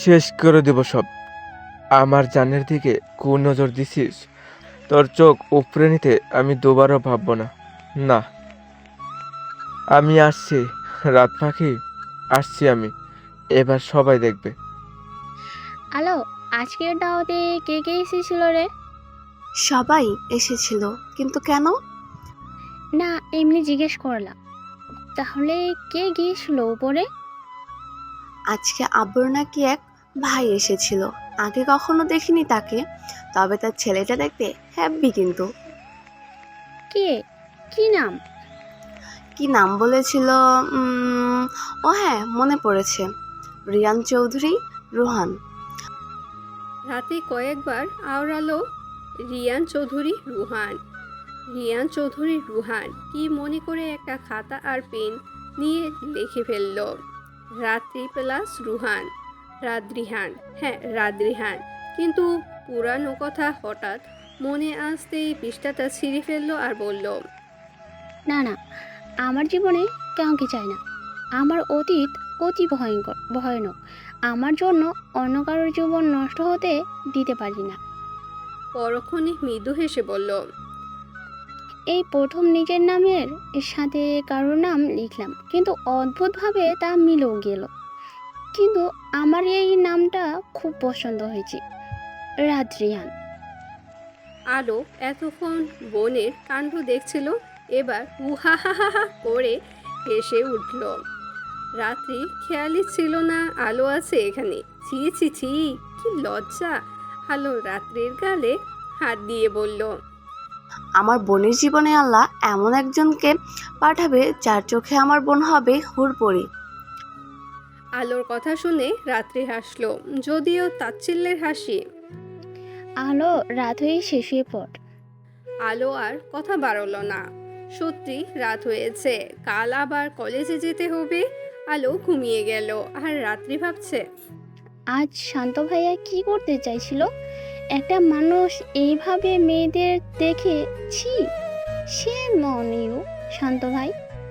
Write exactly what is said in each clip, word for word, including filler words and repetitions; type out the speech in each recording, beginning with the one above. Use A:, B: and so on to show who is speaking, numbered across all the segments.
A: শেষ করে দেব সব। আমার জানের দিকে কোন নজর দিছিস? তোর চোখ উপড়ে নিতে আমি দুবারও ভাববো না। না, আমি আসছি। রাত পাখি, আসছি আমি। এবার সবাই দেখবে।
B: আলো, আজকের দাওয়াতে কে কে এসেছিল রে?
C: সবাই এসেছিল, কিন্তু কেন?
B: না, এমনি জিজ্ঞেস করলাম। তাহলে কে গিয়েছিল উপরে?
C: আজকে আব্বুর নাকি এক ভাই এসেছিল। আগে কখনো দেখিনি তাকে, তবে তার ছেলেটা দেখতে হ্যাপি কিন্তু।
B: কে? কি নাম?
C: কি নাম বলেছিল? উম, ও হ্যাঁ, মনে পড়েছে। রিয়ান চৌধুরী, রোহান।
D: রাতে কয়েকবার আওড়ালো রিয়ান চৌধুরী রুহান। রিয়ান চৌধুরী রুহান কি মনে করে একটা খাতা আর পেন নিয়ে লিখে ফেলল, রাত্রি প্লাস রুহান, রাদ্রিহান। হ্যাঁ, রাদ্রিহান। কিন্তু পুরানো কথা হঠাৎ মনে আসতেই পৃষ্ঠাটা ছিঁড়ে ফেললো আর বলল,
B: না না, আমার জীবনে কাউকে চাই না। আমার অতীত অতি ভয়ঙ্কর, ভয়ানক। আমার জন্য অন্য কারোর জীবন নষ্ট হতে দিতে পারি না।
D: পরক্ষণে মৃদু হেসে বলল,
B: এই প্রথম নিজের নামের সাথে কারোর নাম লিখলাম, কিন্তু অদ্ভুতভাবে তা মিলেও গেল। কিন্তু আমার এই নামটা খুব পছন্দ হয়েছে, রাদ্রিয়ান।
D: আলো এতক্ষণ বোনের কাণ্ড দেখছিল, এবার উহাহাহা করে হেসে উঠল। রাত্রি খেয়ালই ছিল না আলো আছে এখানে। ছি ছি ছি, কি লজ্জা। আলো রাত্রির গালে হাত দিয়ে বলল,
C: আমার বোনের জীবনে আল্লাহ এমন একজনকে পাঠাবে যার চোখে আমার বোন হবে হুড়পড়ি।
D: আলোর কথা শুনে রাত্রি হাসলো, যদিও তাচ্ছিল্যের হাসি।
B: আলো, রাত হয়ে শেষে পড়।
D: আলো আর কথা বাড়ল না। সত্যি রাত হয়েছে, কাল আবার কলেজে যেতে হবে। আলো ঘুমিয়ে গেল আর রাত্রি ভাবছে,
B: আজ শান্ত ভাইয়া কি করতে চাইছিল? একটা মানুষ এইভাবে মেয়েদের দেখে ছি, সে মনেও শান্ত ভাই।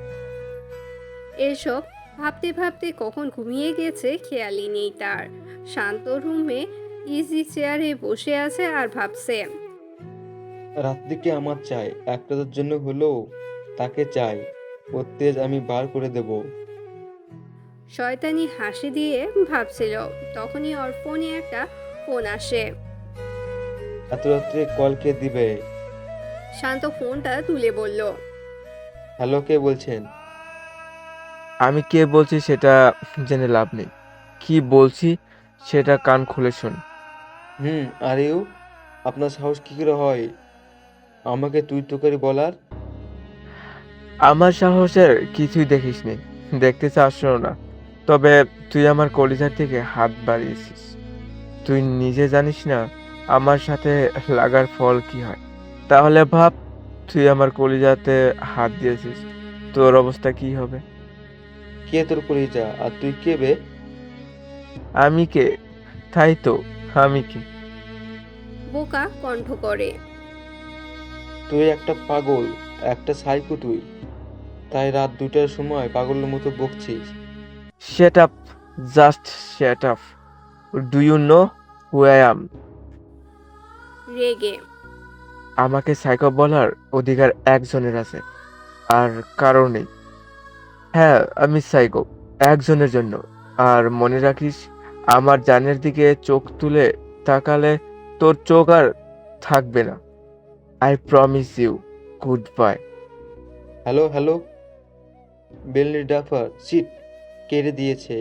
D: এসব ভাবতে ভাবতে কখন ঘুমিয়ে গেছে খেয়ালই নেই তার। শান্ত রুমে ইজি চেয়ারে বসে আছে আর ভাবছে,
E: রাত্রিকে আমার চাই, একটা তোর জন্য হলেও তাকে চাই। ওর তেজ আমি বার করে দেব।
D: শয়তানি হাসি দিয়ে ভাবছিল, তখনই ওর ফোনে একটা ফোন আসে।
E: এত রাত্রে কল কে দিবে?
D: শান্ত ফোনটা তুলে বলল,
E: হ্যালো, কে বলছেন?
A: আমি কে বলছি সেটা জেনে লাভ নেই। কি বলছি সেটা কান খুলে শোন।
E: হুম, আর ইউ, আপনার সাহস কি করে হয় আমাকে তুই তোকারি বলার?
A: আমার সাহসের কিছুই দেখিসনি, দেখতে চাসও না। তবে তুই আমার কলিজার দিকে হাত বাড়িয়েছিস। তুই নিজে জানিস না আমার সাথে লাগার ফল কি হয়। তাহলে ভাব, তুই আমার কলিজাতে হাত দিয়েছিস, তোর অবস্থা কি হবে?
E: কে তোর কলিজা আর তুই কে বে?
A: আমি কে? তাই তো, আমি কে?
D: বোকা কণ্ঠ করে।
E: তুই একটা পাগল, একটা সাইকো তুই। তাই রাত দুটার সময় পাগলের মতো বকছিস।
A: Shut up, just shut up. Do you know who I am?
D: রেগে।
A: আমাকে সাইকো বলার অধিকার একজনের আছে, আর কারো নেই। হ্যাঁ, আমি সাইকো, একজনের জন্য। আর মনে রাখিস, আমার জানের দিকে চোখ তুলে তাকালে তোর চোখ আর থাকবে না। I promise you. Good bye.
E: Hello hello, বেলনি ডাফার সিট কেড়ে দিয়েছে।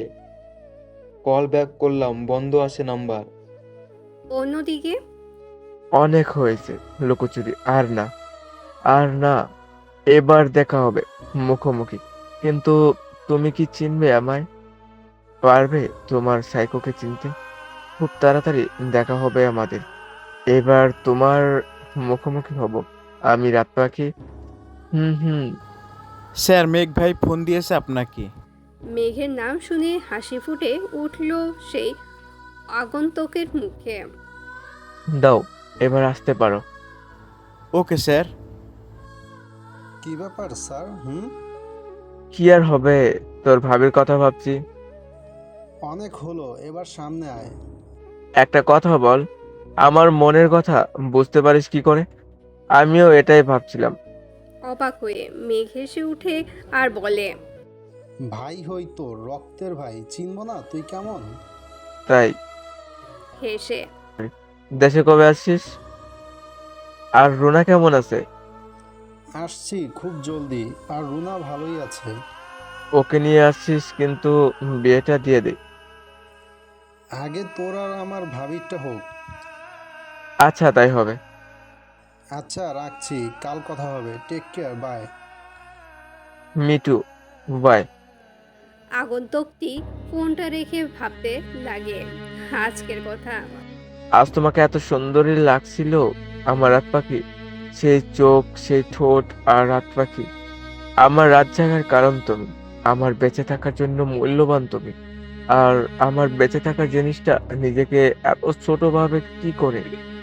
E: কল ব্যাক করলাম, বন্ধ আছে নাম্বার।
D: অন্যদিকে
A: অনেক হয়েছে লুকোচুরি, আর না, আর না। এবার দেখা হবে মুখোমুখি। কিন্তু তুমি কি চিনবে আমায়? পারবে তোমার সাইকোকে চিনতে? খুব তাড়াতাড়ি দেখা হবে আমাদের। এবার তোমার মুখোমুখি হব আমি, রাত পাখি। হুম হুম।
F: স্যার, মেঘ ভাই ফোন দিয়েছে আপনাকে।
D: মেঘের নাম শুনে হাসি ফুটে উঠল সেই আগন্তুকের মুখে।
A: দাও, এবার আসতে পারো।
F: Okay sir.
G: কি ব্যাপার স্যার? হুম।
A: কি আর হবে, তোর ভাবির কথা ভাবছি।
G: অনেক হলো, এবার সামনে আয়।
A: একটা কথা বল, আমার মনের কথা বুঝতে পারিস কি করে? আমিও এটাই ভাবছিলাম।
D: অবাক হয়ে মেঘ হেসে উঠে আর বলে,
G: ভাই হই তোর, রক্তের ভাই, চিনব না তুই কেমন?
A: তাই
D: হেসে,
A: দেশে কবে আসছিস? আর রুনা কেমন আছে?
G: আসছি খুব জলদি। আর রুনা ভালোই আছে।
A: ওকে নিয়ে আসছিস, কিন্তু বিয়েটা দিয়ে দে।
G: আগে তোর আর আমার ভাবিরটা হোক।
A: আচ্ছা, তাই হবে।
G: আচ্ছা রাখছি, কাল কথা হবে। Take care, bye.
A: Mitu, bye.
D: আগন্তুকটি ফোনটা রেখে ভাবতে লাগে আজকের কথা।
A: আজ তোমাকে এত সুন্দরী লাগছিল আমার রাত পাখি। সেই চোখ, সেই ঠোঁট আর রাত পাখি। আমার রাত জাগার কারণ তুমি। আমার বেঁচে থাকার জন্য মূল্যবান তুমি। আর আমার বেঁচে থাকার জিনিসটা নিজেকে এত ছোট ভাবে কি করে?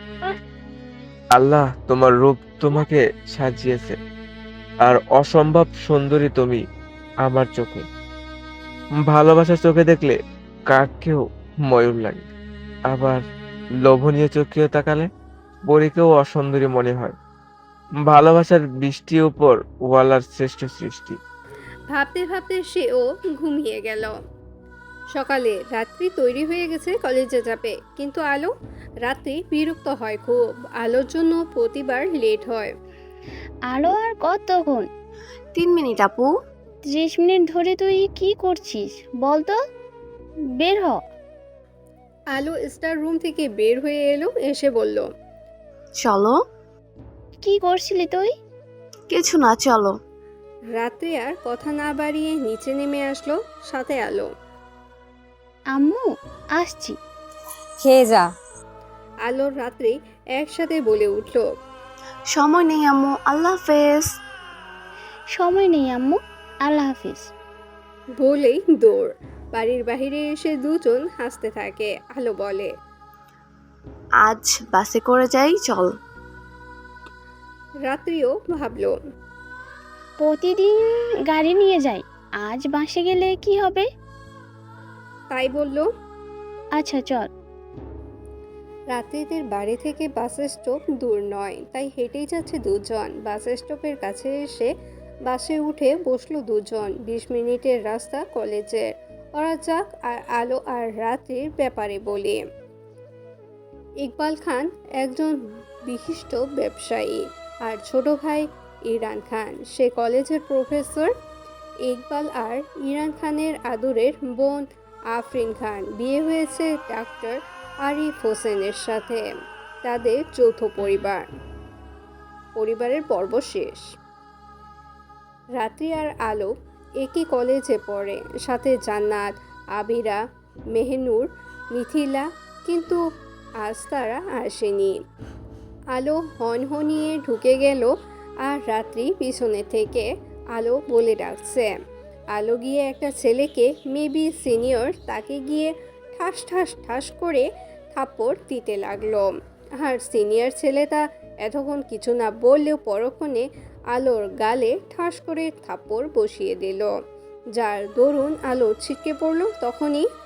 A: আল্লাহ তোমার রূপ তোমাকে সাজিয়েছে। আর অসম্ভব সুন্দরী তুমি আমার চোখে। ভালোবাসার চোখে দেখলে কাকেও ময়ূর লাগে। আবার লোভনীয় চোখেও তাকালে পরীকেও অসুন্দরী মনে হয়। ভালোবাসার বৃষ্টি উপর ওয়ালার শ্রেষ্ঠ সৃষ্টি।
D: ভাবতে ভাবতে সেও ঘুমিয়ে গেল। সকালে রাত্রি তৈরি হয়ে গেছে কলেজে যাবে, কিন্তু আলো রাত্রি বিরক্ত হয় খুব। আলোর জন্য প্রতিবার লেট হয়।
B: আলো আর কতক্ষণ?
C: তিন মিনিট আপু।
B: ত্রিশ মিনিট ধরে তুই কি করছিস বল তো? বের হ।
D: আলো স্টার রুম থেকে বের হয়ে এলো, এসে বলল,
C: চলো।
B: কি করছিলি তুই?
C: কিছু না, চলো।
D: রাত্রি আর কথা না বাড়িয়ে নিচে নেমে আসলো, সাথে আলো।
B: আম্মু, আসছি।
H: খেয়ে যা।
D: আলোর রাত্রি একসাথে বলে উঠল,
C: সময় নেই আম্মু, আল্লাহ হাফেজ।
B: সময় নেই আম্মু, আল্লাহ হাফিজ।
D: বলেই দৌড়। বাড়ির বাহিরে এসে দুজন হাসতে থাকে। আলো বলে,
C: আজ বাসে করে যাই, চল।
D: রাত্রিও ভাবলো,
B: প্রতিদিন গাড়ি নিয়ে যাই, আজ বাসে গেলে কি হবে?
D: তাই বলল।
B: আচ্ছা চল।
D: রাত্রিদের বাড়ি থেকে বাস স্টপ দূর নয়, তাই হেঁটেই যাচ্ছে দুজন। বাস স্টপের কাছে এসে বাসে উঠে বসলো দুজন। বিশ মিনিটের রাস্তা কলেজের। ওরা যাক আর আলো আর রাত্রির ব্যাপারে বলি। ইকবাল খান একজন বিশিষ্ট ব্যবসায়ী, আর ছোট ভাই ইরান খান, সে কলেজের প্রফেসর। ইকবাল আর ইরান খানের আদুরের বোন আফরিন খান বিয়ে হয়েছে ডাক্তার আরিফ হোসেনের সাথে। তাদের যৌথ পরিবার। পরিবারের পর্ব শেষ। রাত্রি আর আলো একই কলেজে পড়ে, সাথে জান্নাত, আবিরা, মেহনুর, মিথিলা, কিন্তু আজ তারা আসেনি। আলো হনহনিয়ে ঢুকে গেল, আর রাত্রি পিছনে থেকে আলো বলে ডাকছে। আলো গিয়ে একটা ছেলেকে, মেবি সিনিয়র, তাকে গিয়ে ঠাস ঠাস ঠাস করে থাপ্পড় দিতে লাগলো। আর সিনিয়র ছেলেটা এতক্ষণ কিছু না বললেও পরক্ষণে আলোর গালে ঠাস করে থাপ্পড় বসিয়ে দিল, যার দরুন আলো ছিটকে পড়ল। তখনই